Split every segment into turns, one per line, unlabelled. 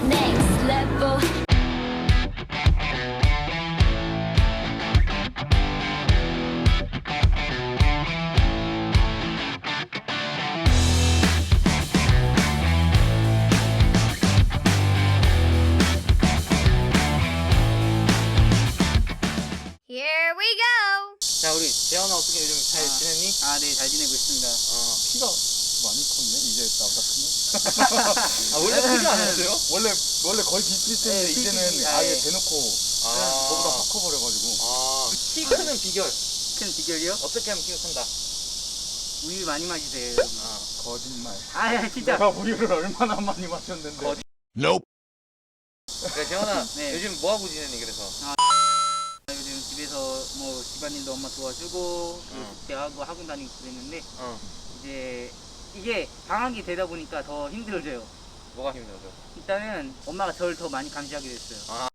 next level. Here we go.
자, 우리 재현아 어떻게 요즘 잘 지냈니?
아, 네, 잘 지내고 있습니다.
키가 많이 컸네. 이제 나보다 크네.
아, 원래 크지 않았어요?
원래 거의 비슷비슷했는데
네,
이제는
비슷비슷.
아예
예.
대놓고
아.
저보다 확 커버려가지고.
아, 키 크는 비결.
큰 비결이요?
어떻게 하면 키가 큰다?
우유 많이 마시세요, 여러분.
아,
거짓말.
아, 진짜.
내가 우유를 얼마나 많이 마셨는데.
거짓- 그래, 재현아,
네.
요즘 뭐 하고 지내니, 그래서?
요즘 집에서 뭐 집안일도 엄마 도와주고,
어.
대학도 학원 다니고 그랬는데,
어,
이제 이게 방학이 되다 보니까 더 힘들어져요.
뭐가 힘들어져?
일단은 엄마가 저를 더 많이 감시하게 됐어요.
아.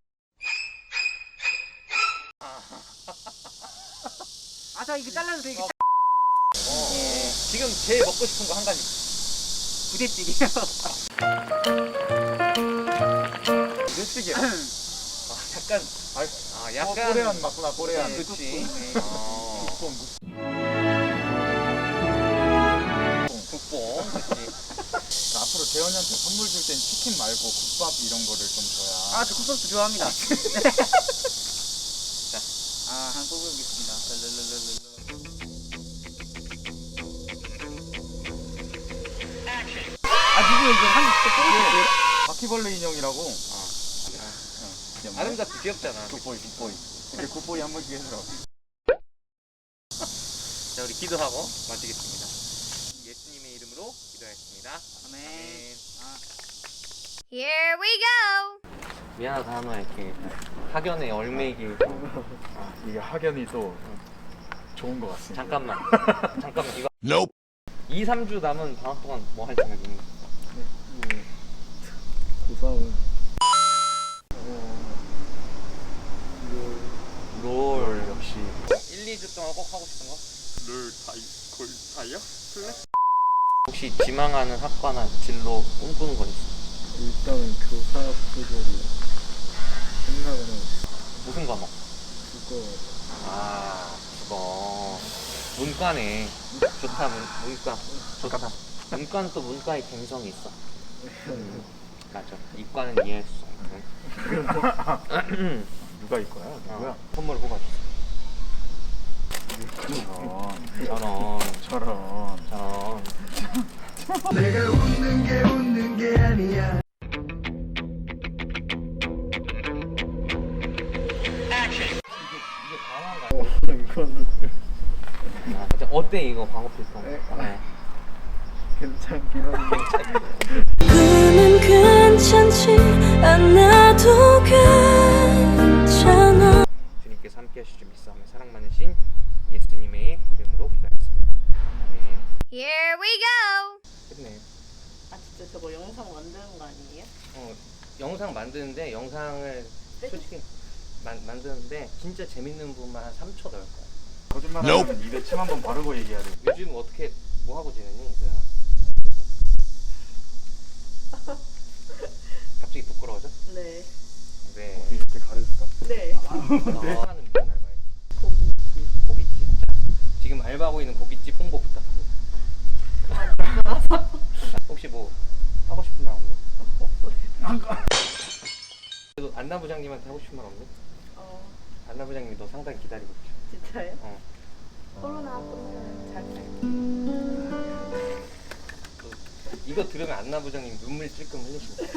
아, 이거 잘라도 되게
예. 지금 제일 먹고 싶은 거 한 가지.
부대찌개요.
일찍이야.
아, 약간, 약간.
꼬레안 맞구나, 꼬레안.
네, 그치.
네.
어, 국뽕, 그치.
앞으로 재현이한테 선물 줄 땐 치킨 말고 국밥 이런 거를 좀 줘야.
아, 저 국밥도 좋아합니다.
자.
아, 한번 뽑아보겠습니다. 랄랄랄랄랄. 누구야, 이거 한번 뽑아볼게요.
바퀴벌레 인형이라고.
아름답고 귀엽잖아.
굿보이. 이렇게 굿보이 한 번씩 해주라.
자, 우리 기도하고 마치겠습니다. 예수님의 이름으로 기도하겠습니다.
아멘.
아멘.
아.
Here we go.
미안하다, 한우야, 이렇게 학연의 얼매기.
이게 학연이 또 좋은 것 같습니다.
잠깐만, 이거. 2, 3주 남은 방학 동안 뭐 할 생각이니?
고사원.
롤.
역시.
1, 2주 동안 꼭 하고 싶은 거?
다이어?
혹시 지망하는 학과나 진로 꿈꾸는 건 있어?
일단은 교사 쪽으로 생각을 하고
무슨 과목?
있고
아, 그거. 문과네. 좋다, 문과. 좋다. 문과는 또 문과의 갱성이 있어. 맞아. 이과는 이해할 수 없는.
누가 이거야? 누구야?
선물 뽑아주세요. 저런.
내가 웃는 게 아니야.
이게 방어인가요?
이거는
어때, 이거 방어 필통?
네. 괜찮긴 한데
그는 괜찮지 않아도 괜찮아.
주님께서 함께 하시죠. 믿사오며 사랑 많으신 예수님의 이름으로 기도하겠습니다. 아멘.
Here we go.
끝내.
아 진짜 저거 영상 만드는 거 아니에요?
영상 만드는데 영상을 솔직히 만드는데 진짜 재밌는 부분만 한 3초 넣을 거야.
거짓말 하면 입에 침 한번 바르고 얘기해야 돼.
요즘 어떻게 뭐 하고 지내니? 그냥. 갑자기 부끄러워져?
네.
네.
어떻게 이렇게 가르칠까?
네.
하는 무슨 알바예요?
고깃집.
고깃집. 자, 지금 알바하고 있는 고깃집 홍보 부탁합니다. 혹시 뭐 하고 싶은 말 없니?
없어요.
그래도 안나 부장님한테 하고 싶은 말 없니?
어
안나 부장님이 너 상당히 기다리고 있죠.
진짜요?
어.
코로나 끝나면 잘 살게요.
이거 들으면 안나 부장님 눈물 찔끔 흘리십니다.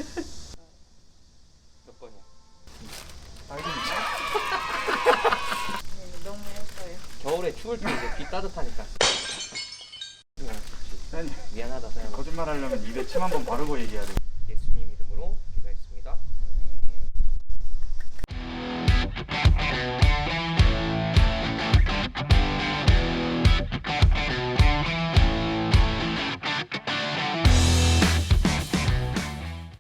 몇 번이야?
네, 너무 했어요.
겨울에 추울 때 이제 귀 따뜻하니까.
아니,
미안하다 생각.
거짓말 하려면 입에 침 한번 바르고 얘기해야 돼.